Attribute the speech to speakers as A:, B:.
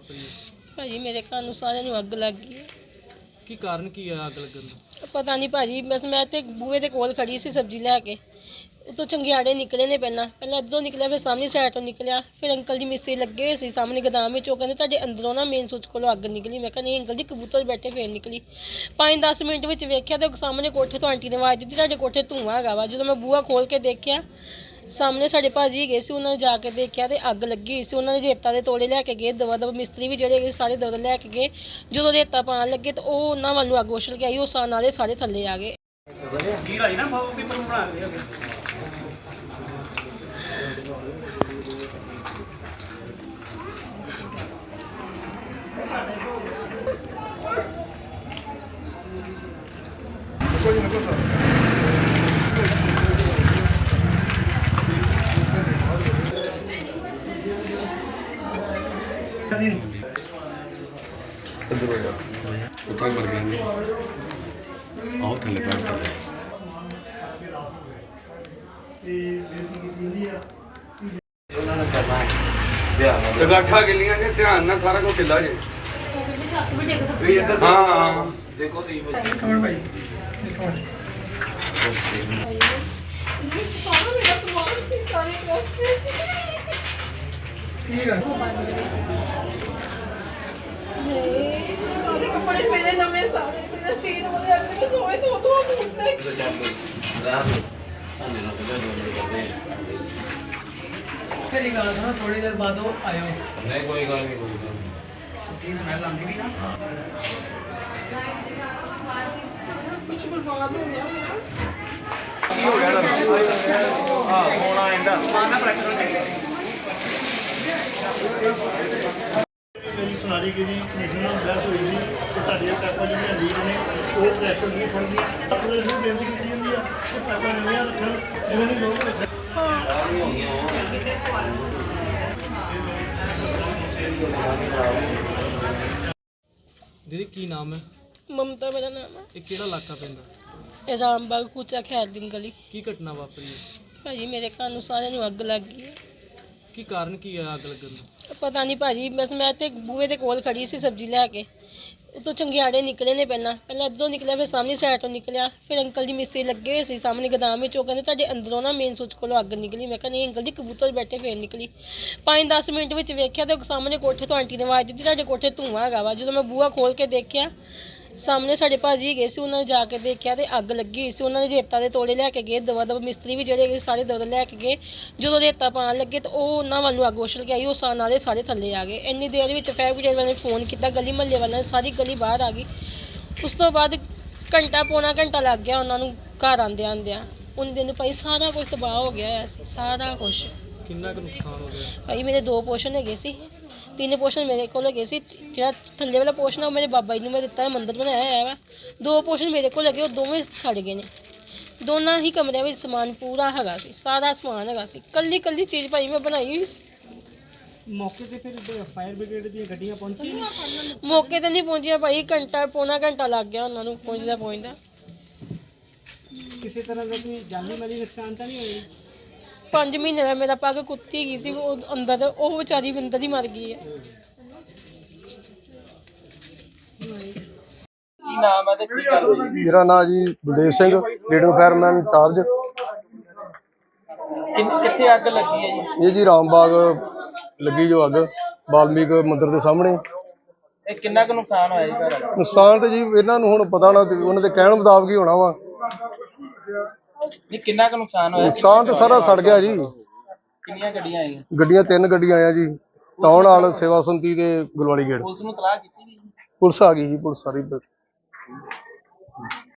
A: ਵਾਪਰੀ?
B: ਭਾਜੀ ਮੇਰੇ ਘਰ ਨੂੰ ਸਾਰਿਆਂ ਨੂੰ ਅੱਗ ਲੱਗ ਗਈ ਹੈ।
A: ਕੀ ਕਾਰਨ ਕੀ ਆ ਅੱਗ ਲੱਗਣ ਦਾ?
B: ਪਤਾ ਨਹੀਂ ਭਾਜੀ, ਬਸ ਮੈਂ ਤੇ ਬੂਹੇ ਦੇ ਕੋਲ ਖੜੀ ਸੀ ਸਬਜ਼ੀ ਲੈ ਕੇ। ਉਤੋਂ ਚੰਗਿਆੜੇ ਨਿਕਲੇ ਨੇ, ਪਹਿਲਾਂ ਇੱਧਰੋਂ ਨਿਕਲਿਆ, ਫਿਰ ਸਾਹਮਣੀ ਸਾਈਡ ਤੋਂ ਨਿਕਲਿਆ। ਫਿਰ ਅੰਕਲ ਜੀ ਮਿਸਤਰੀ ਲੱਗੇ ਹੋਏ ਸੀ ਸਾਹਮਣੇ ਗੋਦਾਮ ਵਿੱਚ। ਉਹ ਕਹਿੰਦੇ ਤੁਹਾਡੇ ਅੰਦਰੋਂ ਨਾ ਮੇਨ ਸੁੱਚ ਕੋਲੋਂ ਅੱਗ ਨਿਕਲੀ। ਮੈਂ ਕਿਹਾ ਨਹੀਂ ਅੰਕਲ ਜੀ, ਕਬੂਤਰ ਬੈਠੇ ਫੇਰ ਨਿਕਲੀ। 5-10 ਮਿੰਟ ਵਿੱਚ ਵੇਖਿਆ ਤੇ ਸਾਹਮਣੇ ਕੋਠੇ ਤੋਂ ਆਂਟੀ ਨੇ ਆਵਾਜ਼ ਦਿੱਤੀ ਤੁਹਾਡੇ ਕੋਠੇ ਧੂੰਆਂ ਹੈਗਾ ਵਾ। ਜਦੋਂ ਮੈਂ ਬੂਹਾ ਖੋਲ ਕੇ ਦੇਖਿਆ, ਸਾਹਮਣੇ ਸਾਡੇ ਭਾਜੀ ਗਏ ਸੀ, ਉਹਨਾਂ ਨੇ ਜਾ ਕੇ ਦੇਖਿਆ ਤੇ ਅੱਗ ਲੱਗੀ ਹੋਈ ਸੀ। ਉਹਨਾਂ ਨੇ ਰੇਤਾ ਦੇ ਤੋੜੇ ਲੈ ਕੇ ਗਏ, ਦਵਾ ਦਵਾ ਮਿਸਤਰੀ ਵੀ ਜਿਹੜੇ ਗਏ ਸਾਰੇ ਦਵਾ ਲੈ ਕੇ ਗਏ। ਜਦੋਂ ਰੇਤਾ ਪਾਉਣ ਲੱਗੇ ਤਾਂ ਉਹ ਉਹਨਾਂ ਵੱਲ ਨੂੰ ਅੱਗ ਉਛਲ ਕੇ ਆਈ, ਉਹ ਨਾਲੇ ਸਾਰੇ ਥੱਲੇ ਆ ਗਏ।
C: ਉੱਥੇ ਮਰ ਗਏ ਨੇ। ਆਓ ਥੱਲੇ ਬੈਠ ਕੇ ਗਾਠਾ ਗਿੱਲੀਆਂ ਨੇ, ਧਿਆਨ ਨਾਲ ਸਾਰਾ ਕੁਝ ਢਿੱਲਾ ਜੇ। ਹਾਂ ਹਾਂ ਦੇਖੋ ਤੁਸੀਂ ਭਾਈ
B: ਕੱਪੜੇ ਮੇਰੇ ਨਵੇਂ ਸਾਰੇ ਮੇਰੇ ਸੀਨ ਵਾਲੇ ਅੰਦਰ ਸੋਏ ਤੋਂ
D: फिर एक गाना था ना, थोड़ी देर बाद वो आयो।
C: नहीं कोई गल नहीं, कोई गल नहीं।
D: स्मेल आती भी ना।
B: कुछ बर्बाद हो गया
A: ਹਾਂ ਫੋਨ ਆ ਜਾਂਦਾ।
E: ਮੇਰੀ ਸੁਣਾਰੀ ਕਿ ਜੀ ਕਮਿਸ਼ਨ ਨਾਲ ਬਹਿਸ ਹੋਈ ਸੀ ਕਿ ਤੁਹਾਡੀਆਂ ਪੈਪਾਂ ਜਿਹੜੀਆਂ ਲੀਕ ਨੇ ਉਹ ਪ੍ਰੈਸ਼ਰ ਦੀ ਫੜਦੀਆਂ। ਆਪਣੇ ਨੂੰ ਬੇਨਤੀ ਕੀਤੀ ਜਾਂਦੀ ਆ ਕਿ ਪੈਪਾਂ ਨਵੀਆਂ ਰੱਖਣ, ਜਿਵੇਂ ਦੀ ਲੋਕ ਰੱਖਣ।
A: ਦੀਦੀ ਕੀ ਨਾਮ ਹੈ?
B: ਮਮਤਾ ਮੇਰਾ ਨਾਮ ਹੈ।
A: ਇਹ ਕਿਹੜਾ ਇਲਾਕਾ ਪੈਂਦਾ?
B: ਇਹ ਰਾਮਬਾਗ ਕੁਚਾ ਖੈਰਦੀਨ ਗਲੀ।
A: ਕੀ ਘਟਨਾ ਵਾਪਰੀ ਹੈ?
B: ਭਾਜੀ ਮੇਰੇ ਘਰ ਨੂੰ ਸਾਰਿਆਂ ਨੂੰ ਅੱਗ ਲੱਗ ਗਈ ਹੈ।
A: ਕੀ ਕਾਰਨ ਕੀ ਆ ਅੱਗ ਲੱਗਣ ਦਾ?
B: ਪਤਾ ਨਹੀਂ ਭਾਜੀ, ਬਸ ਮੈਂ ਤੇ ਬੂਹੇ ਦੇ ਕੋਲ ਖੜੀ ਸੀ ਸਬਜ਼ੀ ਲੈ ਕੇ। ਉਤੋਂ ਚੰਗਿਆੜੇ ਨਿਕਲੇ ਨੇ, ਪਹਿਲਾਂ ਇੱਧਰੋਂ ਨਿਕਲਿਆ, ਫਿਰ ਸਾਹਮਣੀ ਸਾਈਡ ਤੋਂ ਨਿਕਲਿਆ। ਫਿਰ ਅੰਕਲ ਜੀ ਮਿਸਤਰੀ ਲੱਗੇ ਹੋਏ ਸੀ ਸਾਹਮਣੇ ਗੋਦਾਮ ਵਿੱਚ। ਉਹ ਕਹਿੰਦੇ ਤੁਹਾਡੇ ਅੰਦਰੋਂ ਨਾ ਮੇਨ ਸੁੱਚ ਕੋਲੋਂ ਅੱਗ ਨਿਕਲੀ। ਮੈਂ ਕਿਹਾ ਨਹੀਂ ਅੰਕਲ ਜੀ, ਕਬੂਤਰ ਬੈਠੇ ਫੇਰ ਨਿਕਲੀ। 5-10 ਮਿੰਟ ਵਿੱਚ ਵੇਖਿਆ ਤੇ ਸਾਹਮਣੇ ਕੋਠੇ ਤੋਂ ਆਂਟੀ ਨੇ ਆਵਾਜ਼ ਦਿੱਤੀ ਤੁਹਾਡੇ ਕੋਠੇ ਧੂੰਆਂ ਹੈਗਾ ਵਾ। ਜਦੋਂ ਮੈਂ ਬੂਹਾ ਖੋਲ ਕੇ ਦੇਖਿਆ, ਸਾਹਮਣੇ ਸਾਡੇ ਭਾਜੀ ਗਏ ਸੀ, ਉਹਨਾਂ ਨੇ ਜਾ ਕੇ ਦੇਖਿਆ ਤੇ ਅੱਗ ਲੱਗੀ ਹੋਈ ਸੀ। ਉਹਨਾਂ ਨੇ ਰੇਤਾ ਦੇ ਤੋੜੇ ਲੈ ਕੇ ਗਏ, ਦਵਾ ਦਵਾ ਮਿਸਤਰੀ ਵੀ ਜਿਹੜੇ ਗਏ ਸਾਰੇ ਦਵਾ ਲੈ ਕੇ ਗਏ। ਜਦੋਂ ਰੇਤਾ ਪਾਉਣ ਲੱਗੇ ਤਾਂ ਉਹ ਉਹਨਾਂ ਵੱਲ ਨੂੰ ਅੱਗ ਉਛਲ ਕੇ ਆਈ, ਉਹ ਨਾਲੇ ਸਾਰੇ ਥੱਲੇ ਆ ਗਏ। ਇੰਨੀ ਦੇਰ ਵਿੱਚ ਫਾਇਰ ਬ੍ਰਿਗੇਡ ਵਾਲਿਆਂ ਨੇ ਫੋਨ ਕੀਤਾ, ਗਲੀ ਮਹੱਲੇ ਵਾਲਿਆਂ ਨੇ, ਸਾਰੀ ਗਲੀ ਬਾਹਰ ਆ ਗਈ। ਉਸ ਤੋਂ ਬਾਅਦ ਪੌਣਾ ਘੰਟਾ ਲੱਗ ਗਿਆ ਉਹਨਾਂ ਨੂੰ ਘਰ ਆਉਂਦਿਆਂ। ਉਹਨਾਂ ਦਿਨ ਭਾਈ ਸਾਰਾ ਕੁਝ ਤਬਾਹ ਹੋ ਗਿਆ ਹੋਇਆ ਸੀ, ਸਾਰਾ ਕੁਝ।
A: ਕਿੰਨਾ ਕੁ ਨੁਕਸਾਨ ਹੋ ਗਿਆ?
B: ਭਾਈ ਮੇਰੇ 2 ਪੋਰਸ਼ਨ ਹੈਗੇ ਸੀ, 3 ਪੋਰਸ਼ਨ ਮੇਰੇ ਕੋਲ ਹੈਗੇ ਸੀ। ਜਿਹੜਾ ਥੱਲੇ ਵਾਲਾ ਪੋਰਸ਼ਨ ਉਹ ਮੇਰੇ ਬਾਬਾ ਜੀ ਨੂੰ ਮੈਂ ਦਿੱਤਾ, ਮੰਦਿਰ ਬਣਾਇਆ ਹੋਇਆ ਵਾ। 2 ਪੋਰਸ਼ਨ ਮੇਰੇ ਕੋਲ ਹੈਗੇ, ਉਹ ਦੋਵੇਂ ਸੜ ਗਏ ਨੇ। ਦੋਨਾਂ ਹੀ ਕਮਰਿਆਂ ਵਿੱਚ ਸਮਾਨ ਪੂਰਾ ਹੈਗਾ ਸੀ, ਸਾਰਾ ਸਮਾਨ ਹੈਗਾ ਸੀ। ਕੱਲੀ ਚੀਜ਼ ਭਾਈ ਮੈਂ ਬਣਾਈ ਹੋਈ ਸੀ।
A: ਮੌਕੇ ਤੇ ਫਿਰ ਫਾਇਰ ਬ੍ਰਿਗੇਡ ਦੀਆਂ ਗੱਡੀਆਂ ਪਹੁੰਚੀਆਂ?
B: ਮੌਕੇ ਤੇ ਨਹੀਂ ਪਹੁੰਚੀਆਂ ਭਾਈ, ਪੌਣਾ ਘੰਟਾ ਲੱਗ ਗਿਆ ਉਹਨਾਂ ਨੂੰ ਪਹੁੰਚਦਾ।
A: ਕਿਸੇ ਤਰ੍ਹਾਂ ਦਾ ਕੋਈ ਜਾਨੀ ਮਾਲੀ ਨੁਕਸਾਨ ਤਾਂ ਨਹੀਂ ਹੋਇਆ?
B: 5 ਮਹੀਨੇ ਦਾ ਮੇਰਾ ਪੱਗ ਕੁੱਤੀ ਗਈ ਸੀ, ਉਹ ਅੰਦਰ, ਉਹ ਵਿਚਾਰੀ ਅੰਦਰ ਹੀ ਮਰ ਗਈ ਹੈ।
D: ਕੀ ਨਾਮ ਹੈ ਤੇ ਕੀ ਗੱਲ ਹੋਈ?
E: ਮੇਰਾ ਨਾਮ ਜੀ Baldev Singh, leader fireman incharge.
D: ਕਿੱਥੇ ਅੱਗ ਲੱਗੀ ਹੈ ਜੀ?
E: ਇਹ ਜੀ ਰਾਮਬਾਗ ਲੱਗੀ ਜੋ ਅੱਗ, ਵਾਲਮੀਕ ਮੰਦਿਰ ਦੇ ਸਾਹਮਣੇ।
D: ਇਹ ਕਿੰਨਾ ਕੁ ਨੁਕਸਾਨ ਹੋਇਆ ਜੀ ਘਰ?
E: ਨੁਕਸਾਨ ਤੇ ਜੀ ਇਹਨਾਂ ਨੂੰ ਹੁਣ ਪਤਾ ਨਾ, ਉਹਨਾਂ ਦੇ ਕਹਿਣ ਮੁਤਾਬਕ ਹੀ ਹੋਣਾ ਵਾ।
D: ਨਹੀਂ ਕਿੰਨਾ ਕੁ ਨੁਕਸਾਨ ਹੋਇਆ?
E: ਨੁਕਸਾਨ ਤੇ ਸਾਰਾ ਸੜ ਗਿਆ ਜੀ।
D: ਕਿੰਨੀਆਂ ਗੱਡੀਆਂ ਆਈਆਂ?
E: ਗੱਡੀਆਂ 3 ਗੱਡੀਆਂ ਆਇਆ ਜੀ, ਟਾਊਨ ਹਾਲ, ਸੇਵਾ ਸੰਮਤੀ ਤੇ ਗੁਲਵਾਲੀ ਗੇਟ।
D: ਪੁਲਿਸ ਨੂੰ ਤਲਾਹ ਕੀਤੀ ਜੀ?
E: ਪੁਲਿਸ ਆ ਗਈ ਜੀ, ਪੁਲਿਸ ਸਾਰੀ।